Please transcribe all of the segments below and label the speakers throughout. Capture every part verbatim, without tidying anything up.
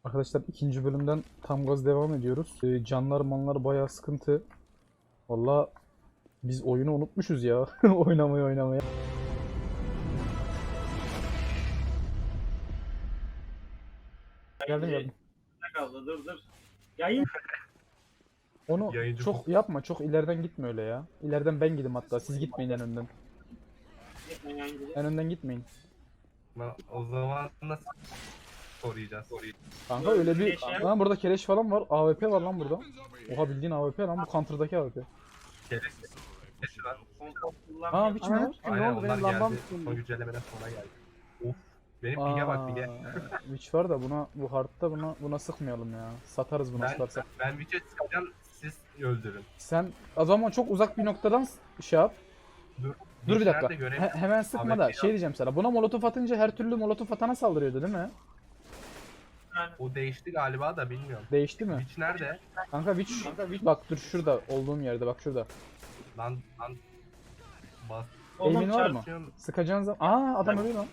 Speaker 1: Arkadaşlar ikinci bölümden tam gaz devam ediyoruz. Ee, canlar manlar bayağı sıkıntı. Valla biz oyunu unutmuşuz ya. Oynamayı oynamayı. Geldim geldim.
Speaker 2: Kaldı dur dur. Yayın.
Speaker 1: Onu
Speaker 3: Yayıncı
Speaker 1: çok
Speaker 3: bu.
Speaker 1: yapma. Çok ileriden gitme öyle ya. İleriden ben gideyim hatta. Siz gitmeyin en önden. En önden gitmeyin.
Speaker 3: Lan o zaman nasıl koruyacağız? Koruyacağız.
Speaker 1: Kanka öyle bir...
Speaker 2: Keleş ya.
Speaker 1: Lan burada keleş falan var. A W P var lan burada. Oha bildiğin A W P lan bu counter'daki A W P.
Speaker 3: Keres. Keres var.
Speaker 1: Aa bir kim
Speaker 4: Aynen.
Speaker 1: var?
Speaker 4: Ne
Speaker 3: Aynen
Speaker 4: oldu,
Speaker 3: onlar
Speaker 4: benim lambam
Speaker 3: geldi.
Speaker 4: tutuldu.
Speaker 3: Son güncellemeden sonra geldi. Of. Benim pinge bak pinge.
Speaker 1: Aa, Witch var da buna bu hardta buna buna sıkmayalım ya. Satarız bunu
Speaker 3: Ben,
Speaker 1: satarsak.
Speaker 3: ben Witch'e sıkacağım, siz öldürün.
Speaker 1: Sen o zaman çok uzak bir noktadan s- şey yap.
Speaker 3: Dur.
Speaker 1: Dur bir
Speaker 3: Witch
Speaker 1: dakika.
Speaker 3: nerede göremiyorum.
Speaker 1: He- hemen sıkma da
Speaker 3: Ahmet
Speaker 1: şey
Speaker 3: ya.
Speaker 1: diyeceğim sana. Buna molotof atınca her türlü molotof atana saldırıyordu değil mi?
Speaker 3: O değişti galiba da bilmiyorum.
Speaker 1: Değişti mi?
Speaker 3: Witch nerede?
Speaker 1: Kanka Witch, bak dur şurada olduğum yerde bak şurada.
Speaker 3: Lan lan. Bas.
Speaker 1: Eğimin var mı?
Speaker 3: Çarpıyorum.
Speaker 1: Sıkacağın zaman. Aa adam ölüyor lan.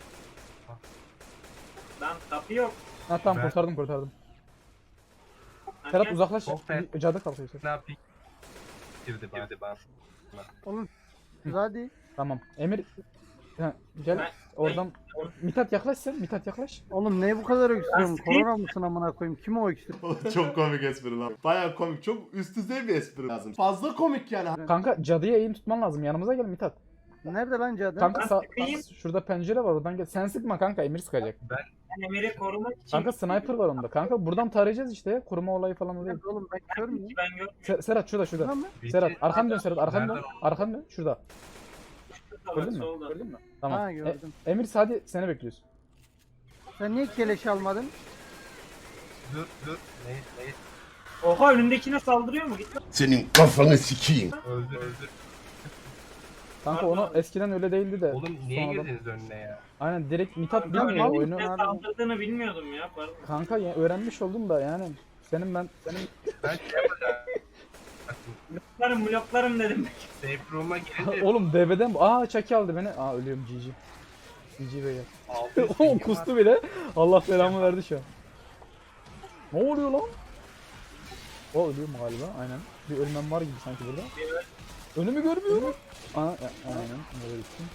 Speaker 2: Lan kapı yok.
Speaker 1: Ha tamam
Speaker 3: Ben-
Speaker 1: kurtardım kurtardım.
Speaker 2: Hani
Speaker 1: Ferhat
Speaker 2: gel-
Speaker 1: uzaklaş.
Speaker 3: Çok be.
Speaker 1: Cadı kalkıyor.
Speaker 3: Ne yapayım? Girdi bana. Girdi bana.
Speaker 4: Oğlum. Hadi.
Speaker 1: Tamam. Emir ha, gel
Speaker 2: Ben-
Speaker 1: oradan. Mithat yaklaş sen. Mithat yaklaş.
Speaker 4: Oğlum neye bu kadar öksürüyorsun?
Speaker 2: Lastik.
Speaker 4: Korona mısın amına koyayım? Kim o öksürüyor?
Speaker 5: Oğlum çok komik espri lan. Baya komik. Çok üst düzey bir espri lazım. Fazla komik yani.
Speaker 1: Kanka cadıya eğim tutman lazım. Yanımıza gel Mithat.
Speaker 4: Nerede lan cadı?
Speaker 1: Kanka
Speaker 2: Ben
Speaker 1: sağ,
Speaker 2: sıkayım.
Speaker 1: şurada pencere var oradan gel. Sen sıkma kanka Emir sıkacak.
Speaker 2: Ben Emir'i korumak için.
Speaker 1: Kanka sniper var onda. Kanka buradan tarayacağız işte. Koruma olayı falan oluyor.
Speaker 4: Nerede oğlum ben kör müyüm?
Speaker 2: Ben yok.
Speaker 1: Se- Serhat şurada şurada.
Speaker 4: Lan mı?
Speaker 1: Serhat
Speaker 3: Witch'i-
Speaker 1: arkan dön Serhat arkan dön.
Speaker 3: Nereden oldu?
Speaker 1: Arkan dön şurada. Gördün mü?
Speaker 2: Solda.
Speaker 1: Gördün mü? Tamam.
Speaker 4: Ha
Speaker 1: E-
Speaker 4: gördüm.
Speaker 1: Emir hadi seni bekliyoruz.
Speaker 4: Sen niye keleş almadın?
Speaker 3: Dur dur. Ne ne?
Speaker 2: Oha önündekine saldırıyor mu? Git lan.
Speaker 5: Senin kafanı sikeyim.
Speaker 3: Öldü öldü.
Speaker 1: Kanka onu eskiden öyle değildi de.
Speaker 3: Oğlum niye
Speaker 1: sonradan-
Speaker 3: girdiniz önüne ya?
Speaker 1: Aynen direkt Mithat
Speaker 2: Ben
Speaker 1: bilmiyor
Speaker 4: mal
Speaker 1: oyunu.
Speaker 4: mısın
Speaker 2: Ne
Speaker 4: abi?
Speaker 2: saldırdığını bilmiyordum ya. Pardon.
Speaker 1: Kanka ya, öğrenmiş oldum da yani. Senin ben senin
Speaker 3: Ben şey yapacağım.
Speaker 2: Bloklarım bloklarım dedim.
Speaker 3: Safe room'a girince
Speaker 1: oğlum D B'den aa Chucky aldı beni. Aa ölüyorum G G. G G beyler.
Speaker 3: altı yüz
Speaker 1: Oğlum
Speaker 3: pingim
Speaker 1: kustu bile. Allah belamı verdi şu an. Ne oluyor lan? O ölüyor mu galiba? Aynen. Bir ölmem var gibi sanki burada. Önümü görmüyorum. Aa, ya, aynen. Böyle gittim.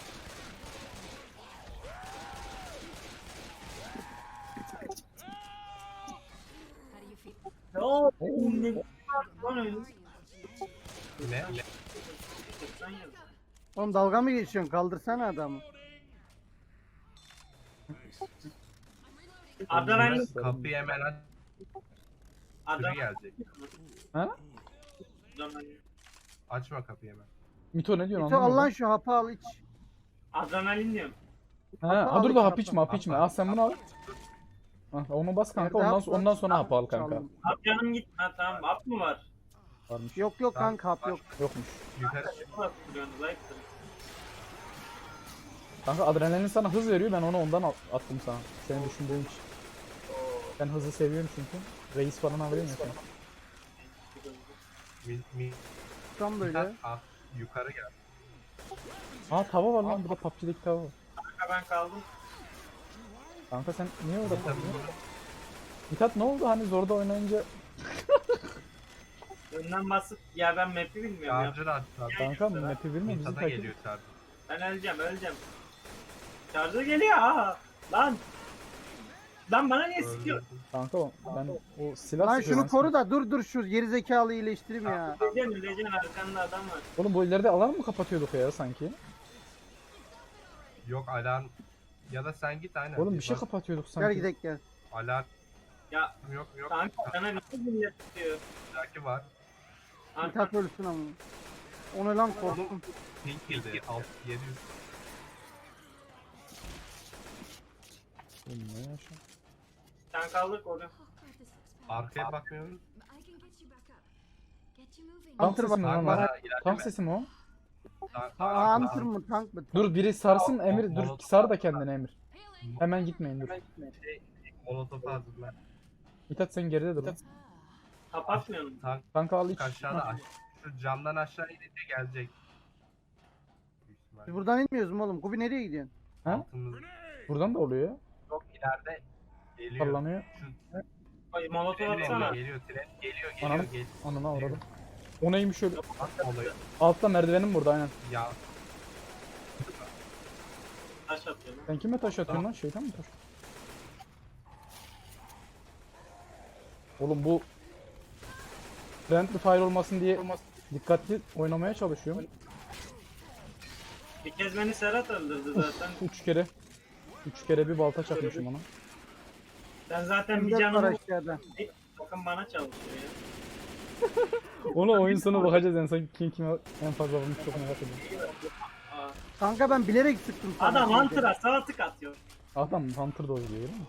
Speaker 2: Ne oldu? Ne var lan öyle?
Speaker 3: Ne? Ne?
Speaker 2: Sen yaz.
Speaker 4: Oğlum dalga mı geçiyorsun? Kaldırsana adamı.
Speaker 2: Adrenalin.
Speaker 3: Kapıyı hemen aç. Sürü
Speaker 2: Adrenalin.
Speaker 3: gelecek.
Speaker 1: Ha?
Speaker 3: Açma kapıyı hemen.
Speaker 1: Mito ne diyorsun
Speaker 4: Git al lan
Speaker 1: anlamadım.
Speaker 4: şu hapı al iç.
Speaker 2: Adrenalin diyorum.
Speaker 1: Ha,
Speaker 4: Hapı
Speaker 1: ha
Speaker 4: al
Speaker 1: dur
Speaker 4: iç,
Speaker 1: da hap
Speaker 4: hapı.
Speaker 1: içme hap içme. Al sen bunu al. Ha, onu bas kanka
Speaker 4: Nerede
Speaker 1: ondan,
Speaker 4: hap var?
Speaker 1: ondan sonra hap al kanka.
Speaker 4: Çaldım.
Speaker 2: Abi canım git. Ha tamam. Hap mı var?
Speaker 1: Varmış.
Speaker 4: Yok yok
Speaker 3: Tamam,
Speaker 4: kanka hap
Speaker 3: var.
Speaker 4: yok.
Speaker 1: Yokmuş.
Speaker 3: Yukarı
Speaker 2: Nasıl duruyorsunuz? Zayıftır.
Speaker 1: Kanka adrenalin sana hız veriyor ben onu ondan al- attım sana. Senin düşündüğün için. Ben hızı seviyorum çünkü. Reis falan alayım ya sana.
Speaker 3: mi, mi,
Speaker 4: Tam böyle.
Speaker 3: Mithat, ah, yukarı gel.
Speaker 1: Aa tava var lan burada P U B G'deki tava var.
Speaker 2: Kanka ben kaldım.
Speaker 1: Kanka sen niye orada
Speaker 3: Mithat,
Speaker 1: kaldın? Mithat ne oldu hani zorda oynayınca?
Speaker 2: Önden basıp ya ben map'i bilmiyorum ya.
Speaker 3: Charger aç.
Speaker 1: Kanka map'i bilmiyor bizi
Speaker 3: Mithat'a
Speaker 1: takip.
Speaker 3: geliyor charger.
Speaker 2: Ben öleceğim öleceğim. Charger geliyor aha. Lan. Lan bana niye sıkıyor?
Speaker 3: Öldü.
Speaker 1: Kanka o- ben o silah
Speaker 4: Lan
Speaker 1: sıkıyorum.
Speaker 4: şunu koru da dur dur şu geri zekalı iyileştireyim ya.
Speaker 2: Öleceksin öleceksin arkanda adam var.
Speaker 1: Oğlum bu ileride alarm mı kapatıyorduk ya sanki?
Speaker 3: Yok alarm. Ya da sen git aynen.
Speaker 1: Oğlum bir şey
Speaker 3: bak,
Speaker 1: kapatıyorduk
Speaker 4: Gel
Speaker 1: sanki.
Speaker 4: gidelim gel.
Speaker 3: Alarm
Speaker 2: Ya
Speaker 3: yok yok.
Speaker 2: kanka sana ne millet tutuyor?
Speaker 3: Belki var.
Speaker 2: Arka
Speaker 4: Mithat ölsün ama. Onu lan korktum.
Speaker 3: Oğlum pink girdi. altı yedi yüz.
Speaker 1: Oğlum ne yaşa?
Speaker 2: sen kaldık orada.
Speaker 3: Arkaya bakmıyoruz.
Speaker 1: Tank sesi mi lan
Speaker 3: Tank
Speaker 1: o?
Speaker 3: var ha
Speaker 1: Tank
Speaker 3: ilerleme.
Speaker 1: sesi mi o?
Speaker 3: Tank-
Speaker 4: Ha
Speaker 3: tank-
Speaker 4: hunter mı tank mı?
Speaker 1: Dur biri sarsın
Speaker 3: Aa,
Speaker 1: Emir
Speaker 3: o-
Speaker 1: dur
Speaker 3: o-
Speaker 1: sar da kendine Emir. Hemen gitmeyin dur.
Speaker 3: Şey, Molotof'u hazırla.
Speaker 1: Mithat sen geride dur.
Speaker 2: Kapatmıyor musun?
Speaker 3: Tank
Speaker 1: Kanka al iç.
Speaker 3: aşağıda aş- şu camdan aşağı inince gelecek. Büyük ihtimalle.
Speaker 4: Biz buradan inmiyoruz mu oğlum? Kubi nereye gidiyorsun?
Speaker 1: Ha?
Speaker 3: Altımız
Speaker 1: Buradan da oluyor ya.
Speaker 3: çok ileride geliyor.
Speaker 1: Sallanıyor.
Speaker 3: Şu
Speaker 2: Ay, Molotov
Speaker 3: Tren
Speaker 2: atsana.
Speaker 3: geliyor, geliyor, tren geliyor, geliyor,
Speaker 1: Ananı,
Speaker 3: geliyor.
Speaker 1: ananı avradım. O neymiş öyle?
Speaker 3: At oluyor.
Speaker 1: Altta merdivenim burada aynen.
Speaker 3: Ya
Speaker 2: Taş atıyor lan.
Speaker 1: Sen kime taş atıyorsun lan? Şeytan mı taş? Oğlum bu friendly fire olmasın diye dikkatli oynamaya çalışıyorum.
Speaker 2: Bir kez beni Serhat öldürdü zaten.
Speaker 1: Üç kere. Üç kere bir balta çakmışım ona.
Speaker 2: Sen zaten
Speaker 4: M
Speaker 2: bir
Speaker 4: dört var
Speaker 2: canımı
Speaker 4: aşağıda.
Speaker 2: bakın bana çalışıyor ya.
Speaker 1: Ona oyun sonu bakacağız en son kim kime en fazla vurmuş çok merak ediyorum.
Speaker 2: Aa,
Speaker 4: Kanka ben bilerek sıktım sana.
Speaker 2: adam
Speaker 4: şimdi.
Speaker 2: Hunter'a sağ tık atıyor.
Speaker 1: Adam Hunter da oynuyor değil mi?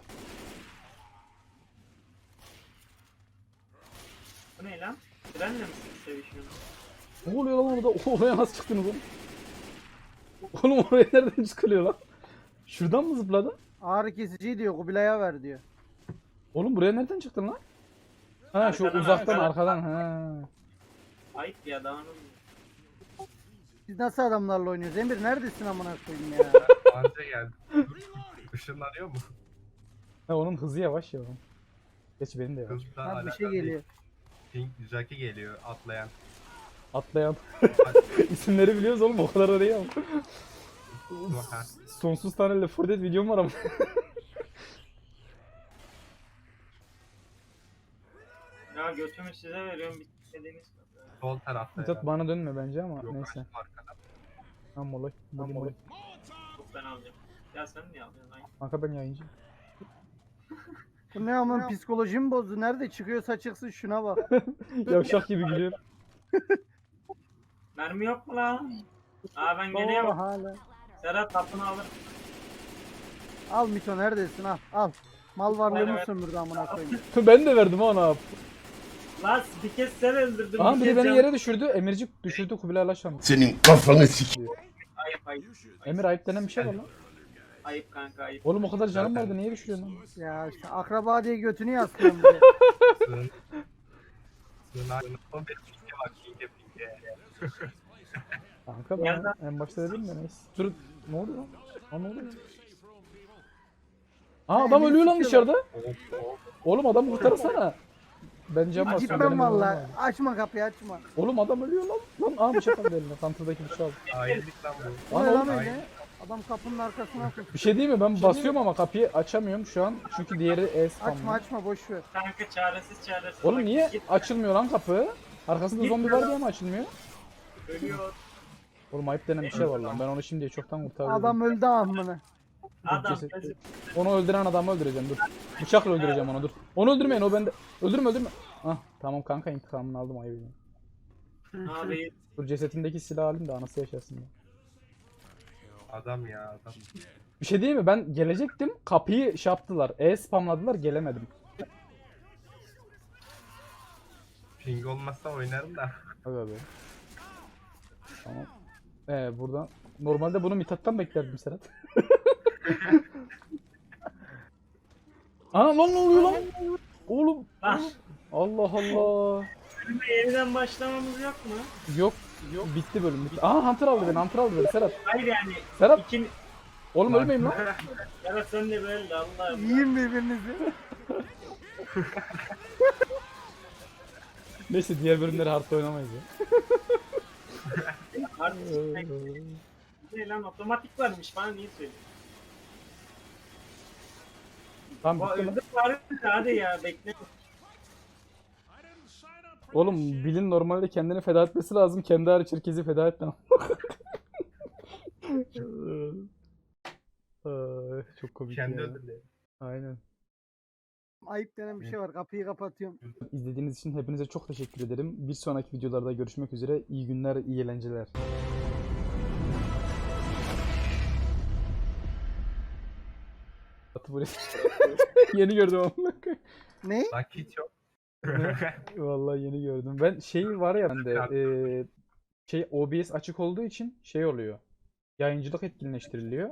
Speaker 2: Bu ne lan? Trenle mi sevişiyorsun?
Speaker 1: Ne oluyor lan orada? Oraya nasıl çıktınız oğlum? Oğlum oraya nereden çıkılıyor lan? Şuradan mı zıpladın?
Speaker 4: Ağrı kesici diyor Kubilay'a ver diyor.
Speaker 1: Oğlum buraya nereden çıktın lan? Ha şu
Speaker 2: Arkadan,
Speaker 1: uzaktan
Speaker 2: arkadan.
Speaker 1: arkadan ha.
Speaker 2: Ayıp ya dağınım.
Speaker 4: Siz nasıl adamlarla oynuyorsunuz? Emir neredesin amına koyayım ya?
Speaker 3: anca geldi. Işınlanıyor mu?
Speaker 1: Ha onun hızı yavaş ya. oğlum. Geç benim de yavaş.
Speaker 3: Hızla
Speaker 4: Ha bir
Speaker 3: alakalı
Speaker 4: şey
Speaker 3: değil.
Speaker 4: geliyor.
Speaker 3: Pink Jackie geliyor atlayan.
Speaker 1: Atlayan. İsimleri biliyoruz oğlum o kadar da değil ama.
Speaker 3: Ha.
Speaker 1: Sonsuz tane Left four Dead videom var ama.
Speaker 2: Ya götümü size veriyorum bitmediğiniz kadar.
Speaker 3: Sol tarafta.
Speaker 1: Mithat
Speaker 3: herhalde.
Speaker 1: bana dönme bence ama
Speaker 3: Yok,
Speaker 1: neyse.
Speaker 3: arkada.
Speaker 1: Tam molay. Tam molay.
Speaker 2: Çok ben alacağım. Ya sen niye alıyorsun? Ay.
Speaker 1: Kanka ben yayıncı.
Speaker 4: Bu ne amın psikolojimi bozdu. Nerede çıkıyorsa çıksın şuna bak.
Speaker 1: Yavşak gibi gülüyor.
Speaker 2: Mermi yok mu lan? Aa ben
Speaker 4: Oo
Speaker 2: geliyorum.
Speaker 4: hala.
Speaker 2: Serhat tapını alır.
Speaker 4: Al Mito neredesin al al. Mal varlığımı
Speaker 2: Evet.
Speaker 4: sömürdü amına koyayım.
Speaker 1: Ben de verdim ona.
Speaker 2: Lan bir kez sen öldürdün.
Speaker 1: Aha
Speaker 2: bir
Speaker 1: biri
Speaker 2: kez
Speaker 1: beni
Speaker 2: can-
Speaker 1: yere düşürdü. Emircik düşürdü Kubilay Laşan.
Speaker 5: Senin kafanı sik.
Speaker 2: Ayıp ayıp.
Speaker 1: Emir ayıp denen bir şey var lan.
Speaker 2: Ayıp kanka ayıp.
Speaker 1: Oğlum o kadar canım
Speaker 3: Zaten-
Speaker 1: vardı niye düşürüyorsun lan?
Speaker 4: Ya işte akraba diye götünü yaslıyorsun bir de.
Speaker 3: Sığın. Sığınak. O bir pinke bak pinke pinke.
Speaker 1: Kanka ben en başta dedim de neyse. Dur ne oluyor lan? Aa, ne oluyor? Aa adam
Speaker 4: Emir
Speaker 1: ölüyor lan
Speaker 4: sıkıyorlar.
Speaker 1: dışarıda.
Speaker 3: Hop hop.
Speaker 1: Oğlum adam kurtarsana. Ben cam basıyorum.
Speaker 4: Gitmem
Speaker 1: benim ölmem
Speaker 4: valla.
Speaker 1: lazım.
Speaker 4: Açma kapıyı açma.
Speaker 1: Oğlum adam ölüyor lan. Lan aa bıçak aldı eline. Counter'daki bıçağı aldı.
Speaker 3: Hainlik lan bu.
Speaker 4: Bu ne
Speaker 1: Lan
Speaker 4: lan
Speaker 1: oğlum,
Speaker 4: öyle? Adam kapının arkasına koy.
Speaker 1: bir şey değil mi? Ben basıyorum ama kapıyı açamıyorum şu an. Çünkü diğeri E
Speaker 4: Açma
Speaker 1: spamlı.
Speaker 4: açma boş ver.
Speaker 2: Kanka çaresiz çaresiz.
Speaker 1: Oğlum
Speaker 2: Bak,
Speaker 1: niye
Speaker 2: git,
Speaker 1: açılmıyor lan kapı? Arkasında
Speaker 2: Git
Speaker 1: zombi
Speaker 2: ya.
Speaker 1: var diye mi açılmıyor?
Speaker 2: Ölüyor.
Speaker 1: Oğlum ayıp denen bir şey var lan. Ben onu şimdiye çoktan kurtardım.
Speaker 4: Adam öldü amına.
Speaker 2: Adam
Speaker 1: ceset-
Speaker 2: gözü.
Speaker 1: Onu öldüren adamı öldüreceğim dur. Bıçakla öldüreceğim onu dur. Onu öldürmeyin o bende. Öldürme öldürme. Ah tamam kanka intikamını aldım ayıp.
Speaker 2: Abi
Speaker 1: Dur cesetindeki silahı alayım da anası yaşasın ya.
Speaker 3: Adam ya adam.
Speaker 1: Bir şey değil mi? Ben gelecektim. Kapıyı şey yaptılar. E spamladılar gelemedim.
Speaker 3: Ping olmazsa oynarım da.
Speaker 1: Aga be. Tamam. Ee buradan normalde bunu Mithat'tan beklerdim Serhat. Aa lan ne oluyor lan? Oğlum.
Speaker 2: Lan.
Speaker 1: Allah Allah.
Speaker 2: bölüme yeniden başlamamız yok mu?
Speaker 1: Yok. Yok. Bitti bölüm. Bitti. Aa Hunter aldı beni. Hunter aldı beni Serhat.
Speaker 2: Hayır yani.
Speaker 1: Serhat.
Speaker 2: İkin...
Speaker 1: Oğlum ölmeyeyim lan.
Speaker 2: Serhat sen de böyle Allah.
Speaker 4: Yiyin birbirinizi.
Speaker 1: Neyse diğer bölümleri hardta oynamayız ya.
Speaker 2: Artık ne lan otomatik varmış bana niye söylüyorsun?
Speaker 1: Tamam
Speaker 2: Bu
Speaker 1: bitti lan.
Speaker 2: öldü bari hadi ya bekle.
Speaker 1: Oğlum Bill'in normalde kendini feda etmesi lazım. Kendi hariç herkesi feda etmem. Ay, çok komik
Speaker 3: Kendi
Speaker 1: ya.
Speaker 3: ödülleri.
Speaker 1: Aynen.
Speaker 4: Ayıp denen bir şey var. Kapıyı kapatıyorum.
Speaker 1: İzlediğiniz için hepinize çok teşekkür ederim. Bir sonraki videolarda görüşmek üzere. İyi günler, iyi eğlenceler. Atı buraya. Yeni gördüm ama.
Speaker 4: Ne?
Speaker 3: Bak hiç yok.
Speaker 1: Vallahi yeni gördüm. Ben şey var ya bende eee, şey O B S açık olduğu için şey oluyor. Yayıncılık etkinleştiriliyor.